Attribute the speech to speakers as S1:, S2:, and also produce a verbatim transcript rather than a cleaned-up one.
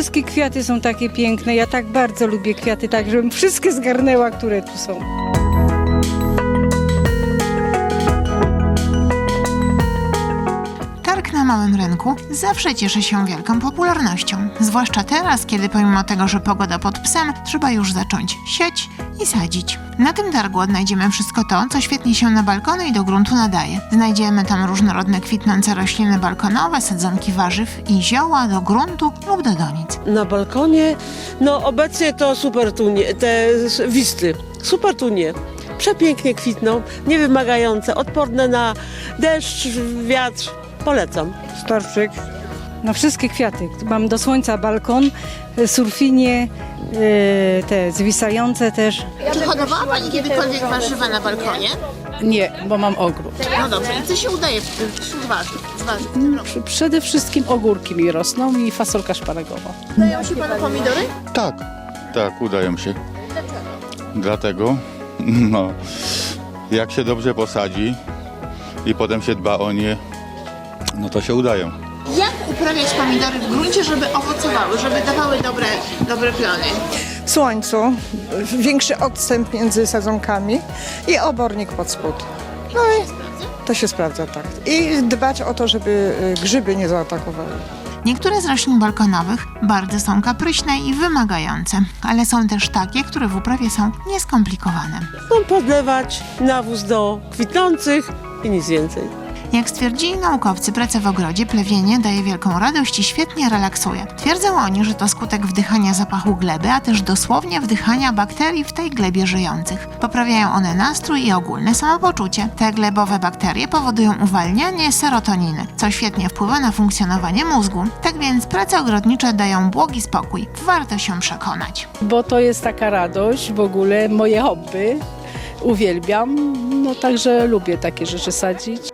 S1: wszystkie kwiaty są takie piękne. Ja tak bardzo lubię kwiaty, tak żebym wszystkie zgarnęła, które tu są.
S2: Targ na Małym Rynku zawsze cieszy się wielką popularnością. Zwłaszcza teraz, kiedy pomimo tego, że pogoda pod psem, trzeba już zacząć siać i sadzić. Na tym targu odnajdziemy wszystko to, co świetnie się na balkony i do gruntu nadaje. Znajdziemy tam różnorodne kwitnące rośliny balkonowe, sadzonki warzyw i zioła do gruntu lub do donic.
S3: Na balkonie, no obecnie to supertunie, te wisty, supertunie. Przepięknie kwitną, niewymagające, odporne na deszcz, wiatr. Polecam.
S1: Storczyk, no wszystkie kwiaty. Mam do słońca balkon, surfinie, yy, te zwisające też.
S2: Czy hodowała Pani kiedykolwiek warzywa na balkonie?
S4: Nie, bo mam ogród.
S2: No dobrze, i co się udaje wśród warzyw? Z warzyw w tym roku?
S4: Przy- Przede wszystkim ogórki mi rosną i fasolka szparagowa.
S2: Udają się Panu pomidory?
S5: Tak, tak, udają się. Dlatego, no, jak się dobrze posadzi i potem się dba o nie, no to się udają.
S2: Jak uprawiać pomidory w gruncie, żeby owocowały, żeby dawały dobre, dobre plony?
S6: Słońcu, większy odstęp między sadzonkami i obornik pod spód. No i to się sprawdza, tak. I dbać o to, żeby grzyby nie zaatakowały.
S2: Niektóre z roślin balkonowych bardzo są kapryśne i wymagające, ale są też takie, które w uprawie są nieskomplikowane.
S3: No, podlewać nawóz do kwitnących i nic więcej.
S2: Jak stwierdzili naukowcy, praca w ogrodzie, plewienie daje wielką radość i świetnie relaksuje. Twierdzą oni, że to skutek wdychania zapachu gleby, a też dosłownie wdychania bakterii w tej glebie żyjących. Poprawiają one nastrój i ogólne samopoczucie. Te glebowe bakterie powodują uwalnianie serotoniny, co świetnie wpływa na funkcjonowanie mózgu. Tak więc prace ogrodnicze dają błogi spokój. Warto się przekonać.
S4: Bo to jest taka radość, w ogóle moje hobby. Uwielbiam, no także lubię takie rzeczy sadzić.